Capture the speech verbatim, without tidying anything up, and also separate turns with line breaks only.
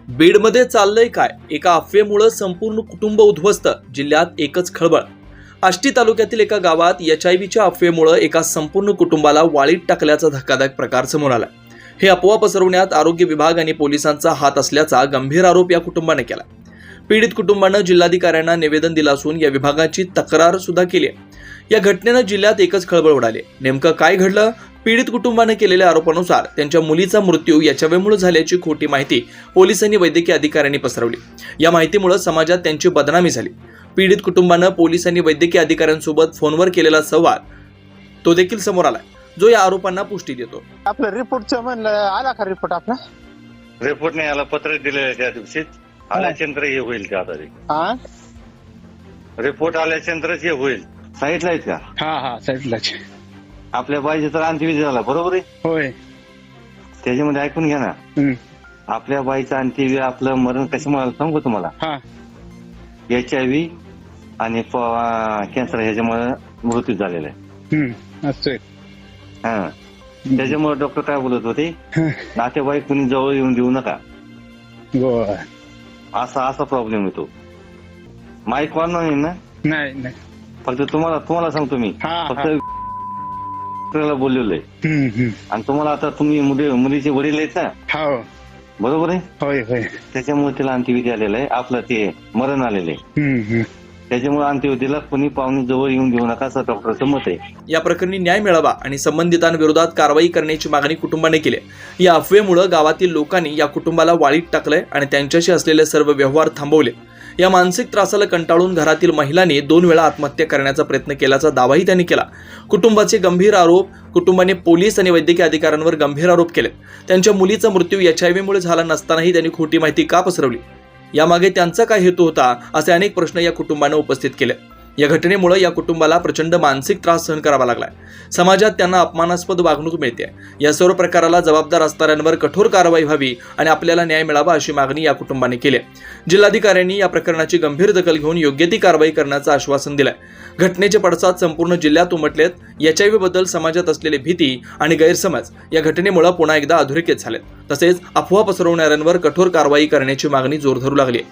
बीडमध्ये चाललंय काय? एका अफवेमुळे संपूर्ण कुटुंब उद्ध्वस्त. जिल्ह्यात एकच खळबळ. आष्टी तालुक्यातील एका गावात एच आय व्हीच्या अफवेमुळे एका संपूर्ण कुटुंबाला वाळीत टाकल्याचा धक्कादायक प्रकार समोर आला. हे अफवा पसरवण्यात आरोग्य विभाग आणि पोलिसांचा हात असल्याचा गंभीर आरोप या कुटुंबाने केला. पीडित कुटुंबानं जिल्हाधिकाऱ्यांना निवेदन दिलं असून या विभागाची तक्रार सुद्धा केली आहे. या घटनेनं जिल्ह्यात एकच खळबळ उडाली. नेमकं काय घडलं? पीडित कुटुंबाने केलेल्या आरोपानुसार त्यांच्या मुलीचा मृत्यू एच आय व्हीमुळे झाल्याची खोटी माहिती पोलिसांनी वैद्यकीय अधिकाऱ्यांनी पसरवली. या माहितीमुळे समाजात त्यांची बदनामी झाली. पीडित कुटुंबानं पोलिसांनी वैद्यकीय अधिकाऱ्यांसोबत फोनवर केलेला संवाद तो देखील समोर आला, जो या आरोपांना पुष्टी देतो.
आपलं रिपोर्टचं म्हणलं आला का रिपोर्ट आपला?
रिपोर्ट नाही आला, पत्र दिलेलं त्या दिवशीच आल्याच्यानंतर हे होईल का? आता
हा
रिपोर्ट आल्याच्यानंतरच हे होईल. साईटला आहेत का?
हा हा साईडलाच.
आपल्या बाईचा तर अंत्यविधी झाला, बरोबर आहे?
होय.
त्याच्यामध्ये ऐकून घ्या ना.
हम्म.
आपल्या बाईचा अंत्यविधी, आपलं मरण कशामुळे सांगू तुम्हाला.
हा
एच आय व्ही आणि कॅन्सर ह्याच्यामुळे मृत्यू झालेला आहे.
हम्म असतोय.
हा त्याच्यामुळे डॉक्टर काय बोलत होते, नातेवाईक कुणी जवळ येऊन देऊ नका,
बर.
असा असा प्रॉब्लेम येतो. माईक वाढणार नाही ना?
नाही नाही.
फक्त तुम्हाला तुम्हाला सांगतो मी,
हा, हा.
फक्त बोललेलो आहे.
हम्म, हम्म.
आणि तुम्हाला आता तुम्ही मुली मुलीचे वडील आहेत ना,
हो
बरोबर आहे?
होय होय.
त्याच्यामुळे त्याला अंत्यविधी आलेला आहे, आपलं ते मरण आलेलं आहे.
हम्म, हम्म.
त्याच्यामुळे अंत्यविधीला कुणी पाहुणे जवळ येऊन देऊ नका, असं डॉक्टरचं मत आहे.
या प्रकरणी न्याय मिळावा आणि संबंधितांविरोधात कारवाई करण्याची मागणी कुटुंबाने केली. या अफवेमुळे गावातील लोकांनी या कुटुंबाला वाळीत टाकलंय आणि त्यांच्याशी असलेले सर्व व्यवहार थांबवले. या मानसिक त्रासाला कंटाळून घरातील महिलांनी दोन वेळा आत्महत्या करण्याचा प्रयत्न केल्याचा दावाही त्यांनी केला. कुटुंबाचे गंभीर आरोप. कुटुंबाने पोलीस आणि वैद्यकीय अधिकाऱ्यांवर गंभीर आरोप केले. त्यांच्या मुलीचा मृत्यू एच आय व्हीमुळे झाला नसतानाही त्यांनी खोटी माहिती का पसरवली? यामागे त्यांचा काय हेतू होता, असे अनेक प्रश्न या कुटुंबाने उपस्थित केले. या घटनेमुळे या कुटुंबाला प्रचंड मानसिक त्रास सहन करावा लागलाय. समाजात त्यांना अपमानास्पद वागणूक मिळते. या सर्व प्रकाराला जबाबदार असणाऱ्यांवर कठोर कारवाई व्हावी आणि आपल्याला न्याय मिळावा अशी मागणी या कुटुंबाने केली. जिल्हाधिकाऱ्यांनी या प्रकरणाची गंभीर दखल घेऊन योग्य ती कारवाई करण्याचं आश्वासन दिलंय. घटनेचे पडसाद संपूर्ण जिल्ह्यात उमटलेत. एच आय व्ही बद्दल समाजात असलेली भीती आणि गैरसमज या घटनेमुळे पुन्हा एकदा अधोरेखित झालेत. तसेच अफवा पसरवणाऱ्यांवर कठोर कारवाई करण्याची मागणी जोर धरू लागली.